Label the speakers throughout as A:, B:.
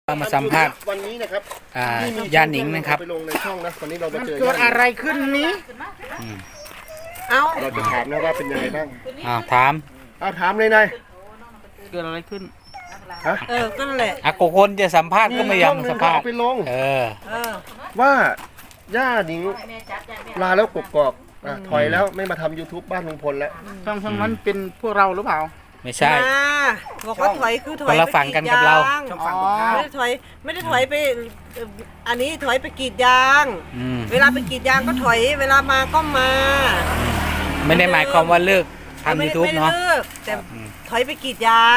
A: มาสัมภาษณ์
B: วันนี้นะครับ
A: ย่าหนิงนะครับ
B: ไปลงในช่องนะวันนี้เราไปเจอ
C: เกิดอะไรขึ้นนี้
B: เราจะถามนะว่าเป็นยังไงบ้าง
A: ถาม
B: ถามเลยนาย
C: เกิดอะไรขึ้น
A: ก็นั่นแหละคนจะสัมภาษณ์ก็ไม่ยอมสัมภาษณ์
B: ไปลงว่าย่าหนิงลาแล้วกกอกถอยแล้วไม่มาทำ YouTube บ้านลุงพลแล้ว
C: ช่องนั้นเป็นพวกเราหรือเปล่า
A: ไม่ใช่
D: บอกว่าถอยคือถอย
A: คนละฝั่งกันกับเรา
D: ไม่ได้ถอยไปอันนี้ถอยไปกรีดยางเวลาไปกรีดยางก็ถอยเวลามาก็มา
A: ไม่ได้หมายความว่าเลิกทำ YouTube เนาะ
D: แต่ถอยไปกรีดยาง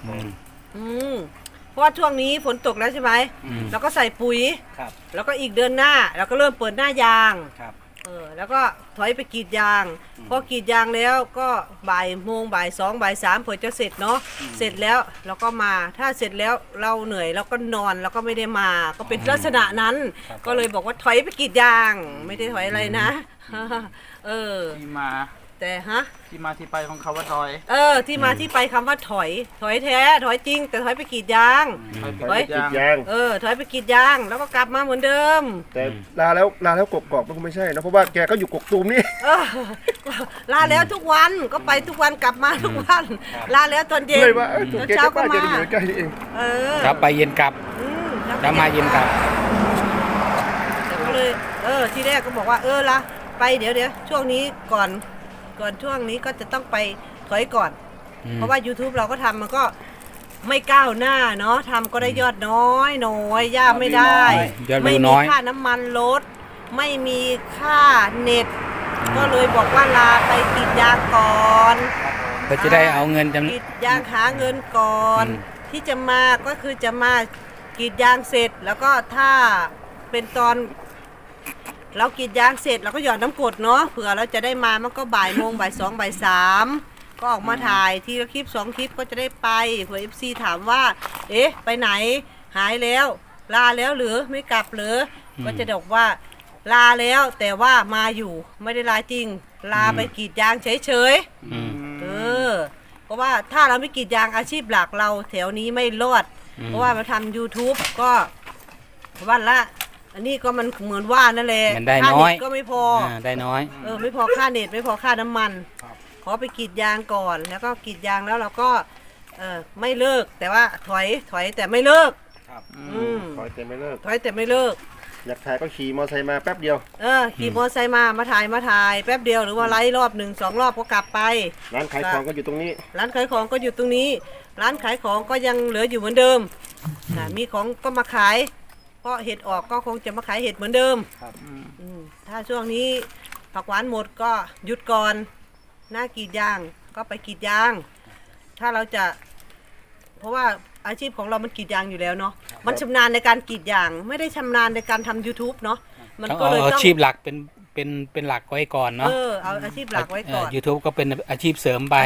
D: เพราะว่าช่วงนี้ฝนตกแล้วใช่ไหมแล้วก็ใส่ปุ๋ยแล้วก็อีกเดือนหน้าเราก็เริ่มเปิดหน้ายางแล้วก็ถอยไปกรีดยางพอกรีดยางแล้วก็บ่ายโมงบ่ายสองบ่ายสามเผื่อจะเสร็จเนาะเสร็จแล้วเราก็มาถ้าเสร็จแล้วเราเหนื่อยเราก็นอนเราก็ไม่ได้มาก็เป็นลักษณะนั้นก็เลยบอกว่าถอยไปกรีดยางไม่ได้ถอยอะไรนะ
C: ที่มา
D: แต่
C: ที่มาที่ไปของคำว่าถอย
D: ที่มาที่ไปคำว่าถอยแท้ถอยจริงแต่ถอยไปกรีดยาง
B: ถอยไปกรีดยาง
D: ถอยไปกรีดยางแล้วก็กลับมาเหมือนเดิม
B: แต่ลาแล้วกกอกมันไม่ใช่นะเพราะว่าแกก็อยู่กกตูมนี่
D: ลาแล้วทุกวันก็ไปทุกวันกลับมาทุกวันลาแล้วตอนเย็น
B: เลยว่าเช้าก็มาใกล้ๆเอง
A: ครับไปเย็นกลับแล้วมาเย็นกลับ
D: ก็เลยทีแรกก็บอกว่าละไปเดี๋ยวช่วงนี้ก่อนช่วงนี้ก็จะต้องไปถอยก่อนเพราะว่า YouTube เราก็ทำมันก็ไม่ก้าวหน้าเนาะทำก็ได้ยอดน้อยย่าไม่ได้ไม่มีค่าน้ำมันรถไม่มีค่าเน็ตก็เลยบอกว่าลาไปกรีดยางก่อน
A: เพื่อจะได้เอาเงิน
D: กรีดยางหาเงินก่อนที่จะมาก็คือจะมากรีดยางเสร็จแล้วก็ถ้าเป็นตอนเรากรีดยางเสร็จเราก็หยอดน้ำกรดเนาะเผื่อเราจะได้มามันก็บ่ายโมงบ่ายสองบ่ายสามก็ออกมาถ่ายทีละคลิป2 คลิปก็จะได้ไปเผื่อ FC ถามว่าไปไหนหายแล้วลาแล้วหรือไม่กลับหรือก็จะบอกว่าลาแล้วแต่ว่ามาอยู่ไม่ได้ลาจริงลาไปกรีดยางเฉยเพราะว่าถ้าเราไม่กรีดยางอาชีพหลักเราแถวนี้ไม่รอดเพราะว่ามาทำ YouTube ก็วันละอันนี้ก็มันเหมือนว่านั่นแหละ
A: ค่าเน็ต
D: ก็ไม่พอ
A: ได้น้อย
D: ไม่พอค่าเน็ตไม่พอค่าน้ำมันขอไปกรีดยางก่อนแล้วก็กรีดยางแล้วเราก็ไม่เลิกแต่ว่าถอยแต่ไม่เลิก
B: ถอยแต่ไม่เลิกอยากถ่ายก็ขี่มอเตอร์ไซค์มาแป๊บเดียว
D: ขี่มอเตอร์ไซค์มาถ่ายแป๊บเดียวหรือว่าไล่รอบ1 2 รอบก็กลับไป
B: ร้านขายของก็อยู่ตรงนี้
D: ร้านขายของก็อยู่ตรงนี้ร้านขายของก็ยังเหลืออยู่เหมือนเดิมมีของก็มาขายเพราะเห็ดออกก็คงจะมาขายเห็ดเหมือนเดิมถ้าช่วงนี้ผักหวานหมดก็หยุดก่อนหน้ากรีดยางก็ไปกรีดยางถ้าเราจะเพราะว่าอาชีพของเรามันกรีดยางอยู่แล้วเนาะมันชำนาญในการกรีดยางไม่ได้ชำนาญในการทำ YouTube เนาะ
A: มันก็เลยต้องอาชีพหลักเป็นหลักไว้ก่อนเนาะ
D: เอาอาชีพหลักไว้ก่อน
A: YouTube ก็เป็นอาชีพเสริมไป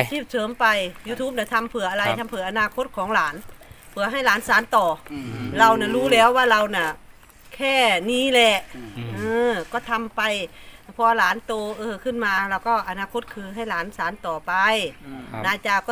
D: YouTube เนี่ยทำเผื่ออะไรทำเผื่ออนาคตของหลานเพื่อให้หลานสานต่อเราเนี่ยรู้แล้วว่าเราเนี่ยแค่นี้แหละก็ทำไปพอหลานโตขึ้นมาเราก็อนาคตคือให้หลานสานต่อไปนาจาก็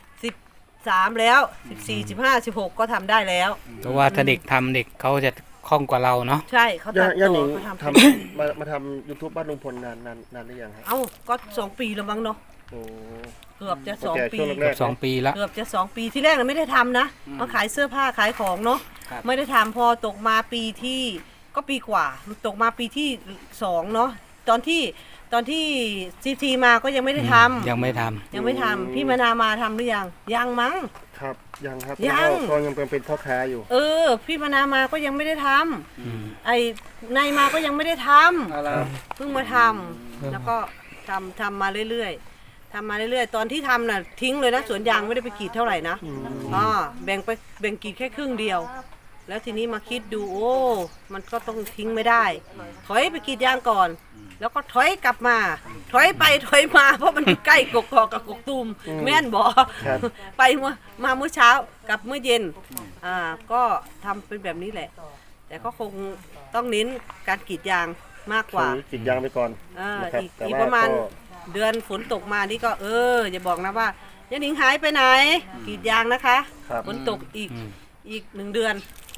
D: 13แล้ว14 15 16ก็ทำได้แล้ว
A: เพราะว่าถ้าเด็กทำเด็กเขาจะคล่องกว่าเราเนาะ
D: ใช่เขาตัดต่อ
B: มาทำ YouTube บ้านลุงพลนานหรือยังครับ
D: ก็2 ปีแล้วมั้งเนาะเกือบจะ2 ปี
A: 2 ปีแล้ว
D: เกือบจะ2 ปีที่แรกเราไม่ได้ทำนะมาขายเสื้อผ้าขายของเนาะไม่ได้ทำพอตกมาปีที่ก็ปีกว่าตกมาปีที่2เนาะตอนที่CTมาก็ยังไม่ได้ทำ
A: ยังไม่ท
D: ำพี่มนามาทำหรือยังมั้ง
B: ครับยังครับ
D: ยัง
B: เป็นพ่อค้าอยู่
D: พี่มนามาก็ยังไม่ได้ทำไอ้นายมาก็ยังไม่ได้ทำเพิ่งมาทำแล้วก็ทำมาเรื่อยๆตอนที่ทำน่ะทิ้งเลยนะสวนยางไม่ได้ไปกรีดเท่าไหร่นะแบ่งกรีดแค่ครึ่งเดียวแล้วทีนี้มาคิดดูมันก็ต้องทิ้งไม่ได้ถอยไปกรีดยางก่อนแล้วก็ถอยกลับมาถอยไปถอยมาเพราะมันใกล้กกอกกับกกตูมแม่นบ่ไปมาเมื่อเช้ากับเมื่อเย็นก็ทำเป็นแบบนี้แหละแต่ก็คงต้องเน้นการกรีดยางมากกว่าก
B: รีดยางไปก่อน
D: อีกประมาณเดือนฝนตกมานี่ก็อย่าบอกนะว่าย่าหนิงหายไปไหนกรีดยางนะคะฝนตกอีก1 เดือน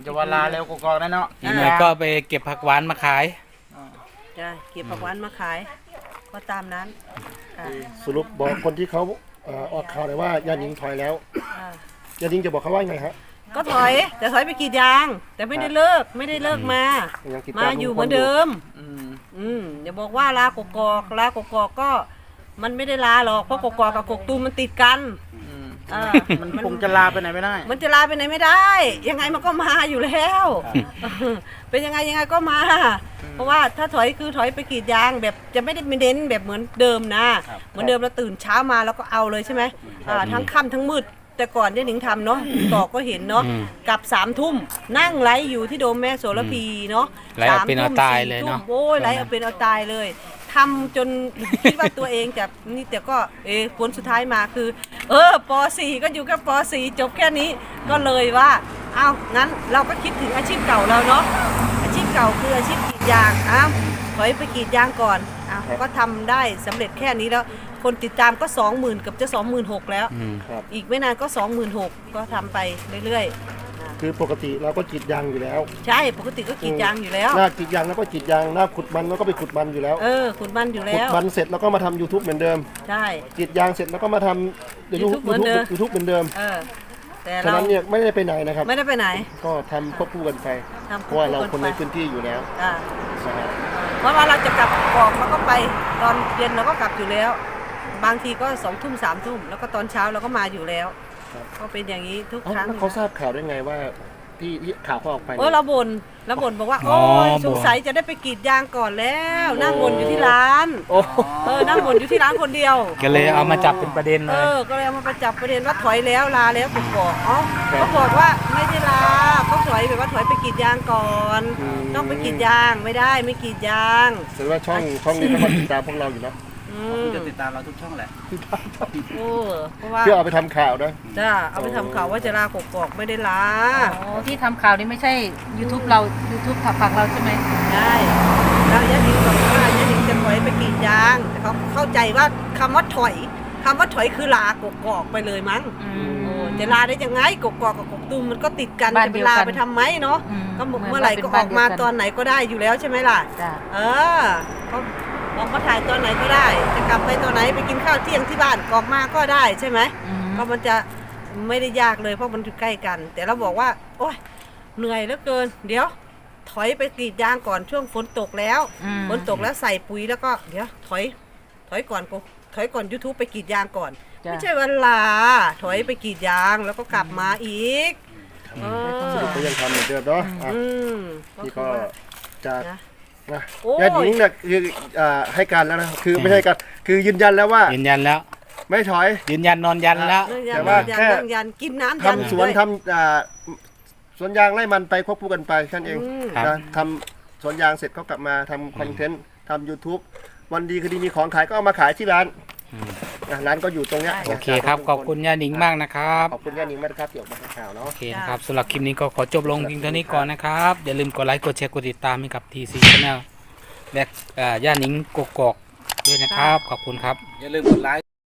C: จะว่าลาแล้วกกอกๆนะเนาะ
A: อีกหน่อยก็ไปเก็บผักหวานมาขาย
D: จ้ะเก็บผักหวานมาขายก็ตามนั้นค่ะ
B: สรุปบอกคนที่เขาออกข่าวเลยว่าย่าหนิงถอยแล้ว
D: อ่า
B: ย่าหนิงจะบอกเขาว่าไงฮะ
D: ก็ถอยแต่ถอยไปกรีดยาง แต่ไม่ได้เลิกมา
B: ยังติดต
D: มาอยู่เหมือนเดิม
C: อืม
D: อย่าบอกว่าลากกอกก็มันไม่ได้ลาหรอกเพราะกกอกกับกกตูมมันติดกัน
C: อืม
D: อ่า
C: มันคงจะลาไปไหนไม่ได้
D: มันจะลาไปไหนไม่ได้ ยังไงมันก็มาอยู่แล้วเป็นยังไงก็มา เพราะว่าถ้าถอยคือถอยไปกรีดยางแบบจะไม่ได้เน้นแบบเหมือนเดิมนะ เหมือนเดิมเราตื่นเช้ามาแล้วก็เอาเลยใช่ไหมทั้งค่ำทั้งมืดแต่ก่อนย่าหนิงทำเนาะตอกก็เห็นเนาะกลับ3 ทุ่มนั่งไลฟ์อยู่ที่โดมแม่โสระพีเนาะ
A: ไลฟ์เอาเป็นเอาตายเลยเนาะ
D: 3 ทุ่มโอ้ยไลฟ์เอาเป็นเอาตายเลยทำจนคิดว่าตัวเองจะนี่แต่ก็ผลสุดท้ายมาคือป .4 ก็อยู่กับป .4 จบแค่นี้ก็เลยว่าอ้าวงั้นเราก็คิดถึงอาชีพเก่าเราเนาะอาชีพเก่าคืออาชีพกรีดยางอ้าวถอยไปกรีดยางก่อนอ้าวก็ทำได้สำเร็จแค่นี้แล้วคนติดตามก็ 20,000กับจะ 26,000แล้ว
B: ครับ
D: อีกไม่นานก็ 26,000ก็ทำไปเรื่อยๆ
B: คือปกติเราก็กรีดยางอยู่แล้ว
D: ใช่ปกติก็กรีดยางอยู่แล้ว
B: หน้ากรีดยางแล้วก็กรีดยางหน้าขุดมันแล้วก็ไปขุดมันอยู่แล้ว
D: ขุดมันอยู่
B: ขุ
D: แล้
B: ด
D: ว
B: มันเสร็จแล้วก็มาทำ YouTube เหมือนเดิม
D: ใช่
B: กรีดยางเสร็จแล้วก็มาทำ
D: YouTube เหมือนเดิม
B: YouTube เหมือนเดิม
D: แต่
B: ฉะ
D: เรา
B: นั้นเนี่ยไม่ได้ไปไหนนะครับ
D: ไม่ได้ไปไหน
B: ก็ทำควบคู่กันไป
D: ทำ
B: เพราะว่าเราคนใน
D: ไป
B: พื้นที่อยู่แล้ว
D: อ่า
B: นะฮะ
D: เพราะว่าเราจะกลับออกเราก็ไปตอนเย็นเราก็กลับอยู่แล้ว บางทีก็2 ทุ่ม3 ทุ่มแล้วก็ตอนเช้าเราก็มาอยู่แล้วก็เป็นอย่างนี้ทุกครั้ง
B: แล้วเขาทราบข่าวได้ไงว่าที่ข่าวเขาออกไป
D: เราบ่นบอกว่า
A: อ๋อ
D: โอ้ย
A: บ่น
D: สงสัยจะได้ไปกรีดยางก่อนแล้ว นั่งบ่นอยู่ที่ร้าน
B: โอ้
D: นั่งบ่นอยู่ที่ร้านคนเดียว
A: ก็เลยเอามาจับเป็นประเด็นเลย
D: ก็เลยเอามาประจับประเด็นว่าถอยแล้วลาแล้วผมบอกเขาบอกว่าไม่ได้ลาเขาถอยแบบว่าถอยไปกรีดยางก่อน ต้องไปกรีดยางไม่ได้ไม่กรีดยาง
B: แสดงว่าช่องนี้เขามาติดตามพวกเราอยู่เนาะ
C: จะติดตามเราทุกช่องแหละ
D: เพราะว่า
B: เพื่อเอาไปทำข่าวนะ
D: จ้าเอาไปทำข่าวว่าจะลากกอกไม่ได้ลา
E: อ๋อที่ทำข่าวนี่ไม่ใช่ YouTube เรา YouTube ฝั่งเราใช่ไหม
D: ได้แล้วยะดิงบอกว่ายะดิงจะถอยไปกรีดยางแต่เขาเข้าใจว่าคำว่าถอยคือลากกอกไปเลยมั้ง จะลาได้ยังไงกกอกกับกกตูมมันก็ติดกัน
E: บ้าน
D: จะไป
E: เดียว
D: ลา
E: กัน
D: ไปทำไมเนาะ ก็
E: ห
D: เมื่อไหร่ก็ออกมาตอนไหนก็ได้อยู่แล้วใช่ไหมล่ะ
E: จ้ะ
D: เขาออกมาถ่ายตอนไหนก็ได้ จะกลับไปตอนไหนไปกินข้าวเที่ยงที่บ้านออกมาก็ได้ใช่ไหมก็มันจะไม่ได้ยากเลยเพราะมันอยู่ใกล้กัน แต่เราบอกว่าโอ๊ยเหนื่อยเหลือเกิน เดี๋ยว ถอยไปกรีดยางก่อนช่วงฝนตกแล้วฝนตกแล้วใส่ปุ๋ยแล้วก็เดี๋ยวถอยก่อน YouTube ไปกรีดยางก่อน ไม่ใช่วันลาถอยไปกรีดยางแล้วก็กลับมาอีก
B: สรุปก็ยังทำเหมือนเดิมเนาะอ่ะ
D: ก็
B: นี่
D: คื
B: ก็
D: อว่า
B: จะ
D: นะ
B: นะ
D: โอ้ย
B: ญาติหญิงเนี่ยคือให้การแล้วนะคือไม่ใช่การคือยืนยันแล้วว่า
A: ยืนยันแล้ว
B: ไม่ถอย
A: ยืนยันนอนยันแล้ว
B: แต่ว่าแค่
D: ยันกินน้ำ
B: ทำสวน
D: ด้วย
B: ทำสวนยางไร่มันไปควบคู่กันไปแค่นั้นเอง
A: ครับ
B: นะทำสวนยางเสร็จก็กลับมาทำคอนเทนต์ทำ YouTube วันดีคือดีมีของขายก็เอามาขายที่ร้านนะร้านก็อยู่ตรงเนี้ย
A: โอเคครับ ขอบคุณย่าหนิงมากนะครับ
B: ขอบคุณย่าหนิงมากนะครับที่ออกมาให้ข่าวเนาะ
A: โอเคนะครับสำหรับคลิปนี้ก็ขอจบลงเพียงเท่านี้ก่อนนะครับ อย่าลืมกดไลค์ กดแชร์ กดติดตามให้กับ TC Channel และย่าหนิงกกอกด้วยนะครับ ขอบคุณครับ อย่าลืมกดไลค์